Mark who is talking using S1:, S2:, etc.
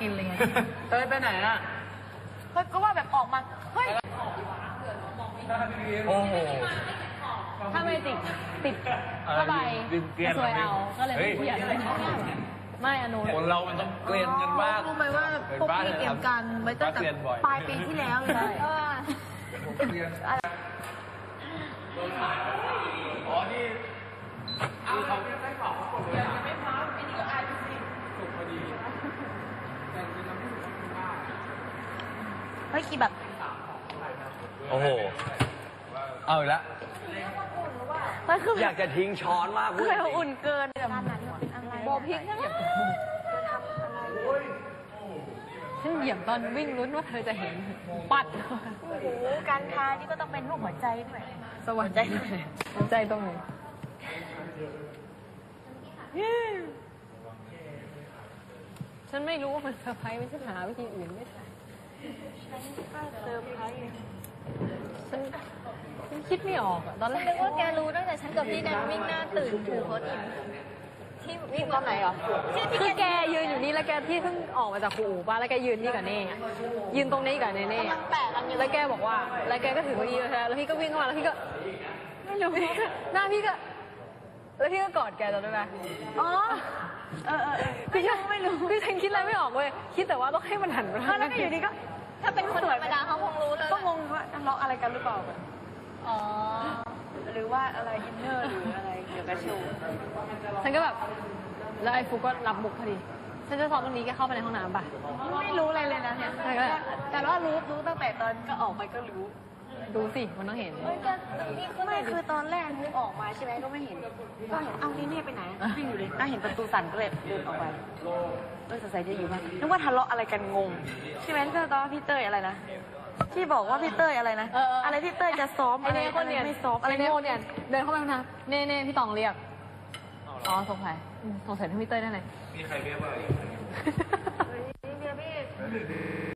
S1: นอะไรเงี้ย
S2: เต้ยไปไหนอ่ะ
S1: เฮ้ยก็ว่าแบบออกมาเฮ้ย
S2: โอ้โห
S3: ถ้าไม่ติดผ้าใบจะสวยเอาก็เลยไม่เปลี่ยนไม่อนุ
S2: คนเรามันต้องเกลียนกันบ้าง
S1: รู้ไหมว่าพวกพี่เตรียมการไว้ตั้งแต่ปลายปีที่แล้วเลย
S2: อ๋อนี่เขาได้บอกไม่พร้อมไม่ดีก็อายสิถูกพอดี
S1: เฮ้ยกี่แบบ
S2: โอ้โหเอาอีกแล้ว
S1: มันคือ
S2: อยากจะทิ้งช้อนมากพูด
S1: เคยอุ่นเกินแบบนั้นโบพิกใช่ไหม
S3: ฉันเหยียบตอนวิ่งลุ้นว่าเธอจะเห็นปัด
S1: โอ้โหการทานี่ก็ต้องเป็นรูปหัวใจด้วย
S3: สวรรค์ใจหัวใจตรงไหนฉันไม่รู้ว่ามันเซอร์ไพรส์ไม่ใช่หาวิธีอื่นไม่ใช่
S1: เซอร์ไพรส์
S3: ฉันคิดไม่ออกอะตอนแรก
S1: นึกว่าแกรู้ตั้งแต่ฉันกับพี่นันวิ่งหน้าตื่นถือโพสต์อินที่วิ่งตอนไหนเหรอที่
S3: คือแกยืนอยู่นี่แล้วแกที่เพิ่งออกมาจากครูอู่ป่ะแล้วแกยืนนี่กับเน่ยืนตรงนี้กับเน่
S1: มันแปะกันอยู่
S3: แล้วแกบอกว่าแล้วแกก็ถือเก้าอี้ใช่แล้วพี่ก็วิ่งเข้ามาแล้วพี่ก็ไม่รู้หน้าพี่ก็แล้วพี่ก็กอดแกจำได้ไหม
S1: อ๋อ
S3: คือฉันไม่รู้คือฉันคิดอะไรไม่ออกเว้ยคิดแต่ว่าต้องให้มันหันมา
S1: แล้วก็อยู่ดีก็ถ้าเป็นคนธรรมดาเขาคงรู้เลย
S3: ก็งงว่าทะเลาะอะไรกันหรือเปล่า
S1: อ๋อหรือว่าอะไรอินเนอร์หรืออะไรเกี่ยวกับโชว์
S3: ฉันก็แบบแล้วไอ้ฟุกก็รับมุกพอดีฉันจะสอนตรงนี้แกเข้าไปในห้องน้ำป่ะ
S1: ไม่รู้อะไรเลยนะเนี่ยแต่ว่ารู้ตั้งแต่ตอนก็ออกไปก็รู้
S3: ดูสิมันต้องเห็น
S1: ไม่คือตอนแรกนึกออกมาใช่ไหมก็ไม่เห็นก็เห็นเอ้านี่เน่ไปไหนวิ่งอยู่เลยเห็นประตูสั่นก็เลยเดินออกไปสงสัยจะอยู่บ้านนึกว่าทะเลาะอะไรกันงงใช่ไหมก็ตอนพี่เต้ยอะไรนะที่บอกว่าพี่เต้ยอะไรนะอะไรพี่เต้ยจะซ้อม
S3: ไอ้เน่คนเนี่ย
S1: ไม่ซ้อม
S3: อะไรโง่เนี่ยเดินเข้าไปห้องน้ำเน่พี่ตองเรียกอ๋อสงสัยที่พี่เต้ยนั่นเลย
S2: มีใครเรียกว่า
S1: เดี๋ยวพี่